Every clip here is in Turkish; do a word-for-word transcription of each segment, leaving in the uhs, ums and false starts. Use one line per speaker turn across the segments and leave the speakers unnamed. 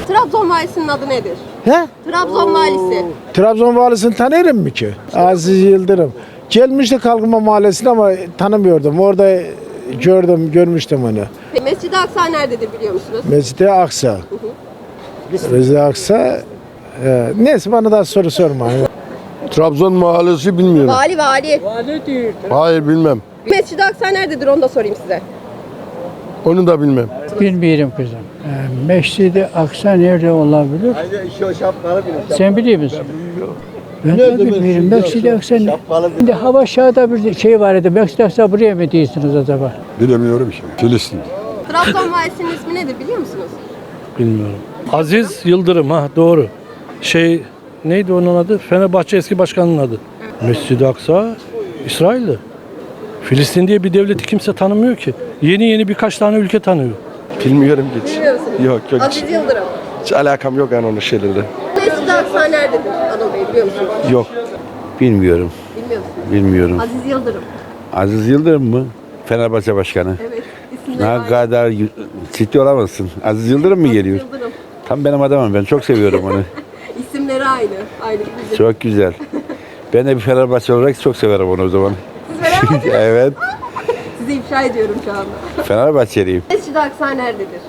Trabzon valisinin adı nedir?
He?
Trabzon valisi.
Trabzon valisini tanırım mı ki? Aziz Yıldırım. Gelmişti Kalkınma Mahallesi'ne ama tanımıyordum. Orada gördüm, görmüştüm onu.
Mescid-i Aksa nerededir biliyor musunuz?
Mescid-i Aksa. Mescid-i Aksa. E, neyse bana daha soru sorma.
Trabzon mahallesi bilmiyorum.
Vali vali.
Hayır bilmem.
Mescid-i Aksa nerededir onu da sorayım size.
Onu da bilmem.
Bilmiyorum kızım. Ee, Mescid-i Aksa nerede olabilir? Sen biliyor musun? Ben de bilmiyorum. Mescid-i Aksa ne? Şimdi hava şahada bir şey var idi. Mescid-i Aksa buraya mı diyorsunuz acaba?
Bilemiyorum ki. Filistin.
Trabzon valisinin ismi nedir biliyor musunuz?
Bilmiyorum. Aziz Yıldırım ha doğru. Şey neydi onun adı? Fenerbahçe eski başkanının adı. Mescid-i Aksa İsrail'de. Filistin diye bir devleti kimse tanımıyor ki. Yeni yeni birkaç tane ülke tanıyor.
Bilmiyorum hiç.
Bilmiyor musunuz?
Yok yok.
Aziz Yıldırım.
Hiç alakam yok yani onun şeylerle.
Mescid-i Aksa nerededir Anıl Bey biliyor musunuz?
Yok.
Bilmiyorum.
Bilmiyor musunuz?
Bilmiyorum.
Aziz Yıldırım.
Aziz Yıldırım mı? Fenerbahçe Başkanı.
Evet. İsimleri
Ne
aynı.
kadar y- ciddi olamazsın. Aziz Yıldırım mı
Aziz
geliyor?
Yıldırım.
Tam benim adamım. Ben çok seviyorum onu.
İsimleri aynı. Aynı bizim.
Çok güzel. Ben de bir Fenerbahçe olarak çok severim onu o zaman.
Siz beraber
Evet.
sizi ifşa ediyorum şu anda.
Fenerbahçeliyim.
Mescid-i Aksa nerededir?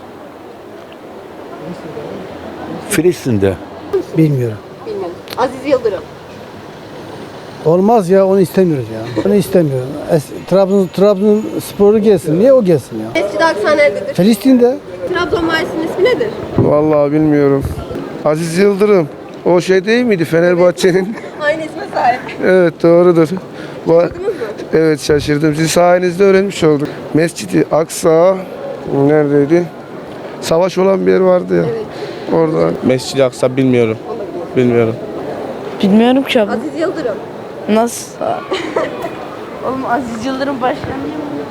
Filistin'de.
Bilmiyorum.
Bilmiyorum. Aziz Yıldırım.
Olmaz ya, onu istemiyoruz ya. Onu istemiyorum. Es- Trabzon Trabzon sporu gelsin. Niye o gelsin ya?
Mescid-i Aksa nerededir?
Filistin'de.
Trabzon valisinin ismi nedir?
Vallahi bilmiyorum. Aziz Yıldırım. O şey değil miydi Fenerbahçe'nin?
Aynı isme sahip.
Evet doğrudur. Bu-
Duydunuz mu?
evet şaşırdım. Siz sayenizde öğrenmiş olduk. Mescid-i Aksa neredeydi? Savaş olan bir yer vardı ya.
Evet.
Orada.
Mescid-i Aksa bilmiyorum. Bilmiyorum.
Bilmiyorum ki abi.
Aziz Yıldırım.
Nasıl? Oğlum Aziz Yıldırım başkanı değil mi?